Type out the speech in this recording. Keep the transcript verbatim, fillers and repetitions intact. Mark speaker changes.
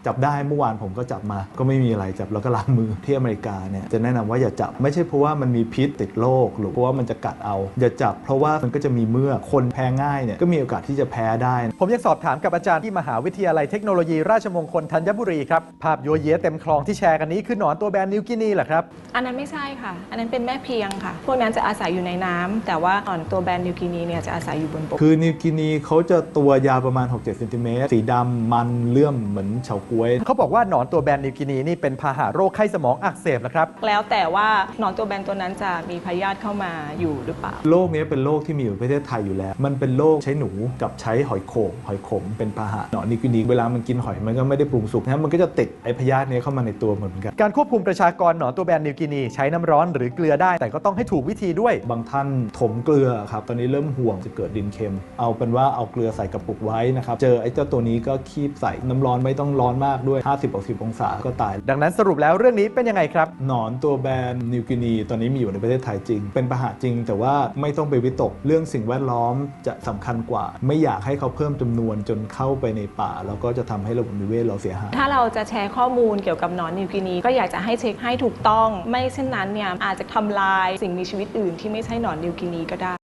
Speaker 1: จับได้เมื่อวานผมก็จับมาก็ไม่มีอะไรจับแล้วก็ล้างมือที่อเมริกาเนี่ยจะแนะนำว่าอย่าจับไม่ใช่เพราะว่ามันมีพิษติดโรคหรือเพราะว่ามันจะกัดเอาอย่าจับเพราะว่ามันก็จะมีเมือกคนแพ้ง่ายเนี่ยก็มีโอกาสที่จะแพ้ได้
Speaker 2: ผมยังสอบถามกับอาจารย์ที่มหาวิทยาลัยเทคโนโลยีราชมงคลธัญบุรีครับภาพโยเยเต็มคลองที่แชร์กันนี้คือหนอนตัวแบนนิวกินีเหรอครับ
Speaker 3: อันนั้นไม่ใช่ค่ะอันนั้นเป็นแม่เพียงค่ะพวกนั้นจะอาศัยอยู่ในน้ำแต่ว่าหนอนตัวแบนนิวกินีเนี่ยจะอาศัยอยู่บนบก
Speaker 1: คือนิวกินีเขาจะตัวยาวประมาณ หกถึงเจ็ด เซนติเมตรสีดำมันเลื่อมเหมือนเฉาก๊วย
Speaker 2: เขาบอกว่าหนอนตัวแบนนิวกินีนี่เป็นพาหะโรคไข้สมองอักเสบนะครับ
Speaker 3: แล้วแต่ว่าหนอนตัวแบนตัวนั้นจะมีพยาธิเข้ามาอยู่หรือเปล่า
Speaker 1: โรคนี้เป็นโรคที่มีอยู่ในประเทศไทยอยู่แล้วมันเป็นโรคใช้หนูกับใช้หอยโข่งหอยขมเป็นพาหะหนอนนิวกินีเวลามันกินหอยมันก็ไม่ได้ปรุงสุกนะมันก็จะติดไอพยาธินี้เข้ามาในตัวเหมือนกัน
Speaker 2: การควบคุมประชากรหนอนตัวแบนนิวกินีใช้น้ำร้อนหรือเกลือได้แต่ก็ต้องให้ถูกวิธีด้วย
Speaker 1: บางท่านถมเกลือครับตอนนี้เริ่มห่วงจะเกิดดินเค็มเอาเป็นว่าเอาเกลือใส่กระปุกไว้นะครับเจอไอ้เจ้าตัวนี้ก็คีบใส่น้ำร้อนไม่ต้องร้อนมากด้วย ห้าสิบถึงหกสิบ องศาก็ตาย
Speaker 2: ดังนั้นสรุปแล้วเรื่องนี้เป็นยังไงครับ
Speaker 1: หนอนตัวแบนนิวกินีตอนนี้มีอยู่ในประเทศไทยจริงเป็นพาหะจริงแต่ว่าไม่ต้องไปวิตกเรื่องสิ่งแวดล้อมจะสำคัญกว่าไม่อยากให้เขาเพิ่มจำนวนจนเข้าไปในป่าแล้วก็จะทำให้ระบบนิเวศเราเสียหาย
Speaker 3: ถ้าเราจะแชร์ข้อมูลเกี่ยวกับหนอนนิวกินีก็อยากจะให้เช็คให้ถูกต้องไม่เช่นนั้นเนี่ยอาจจะทำลายสิ่งมีชีวิตอื่นที่ไม่ใช่หนอนนิวกินีก็ได้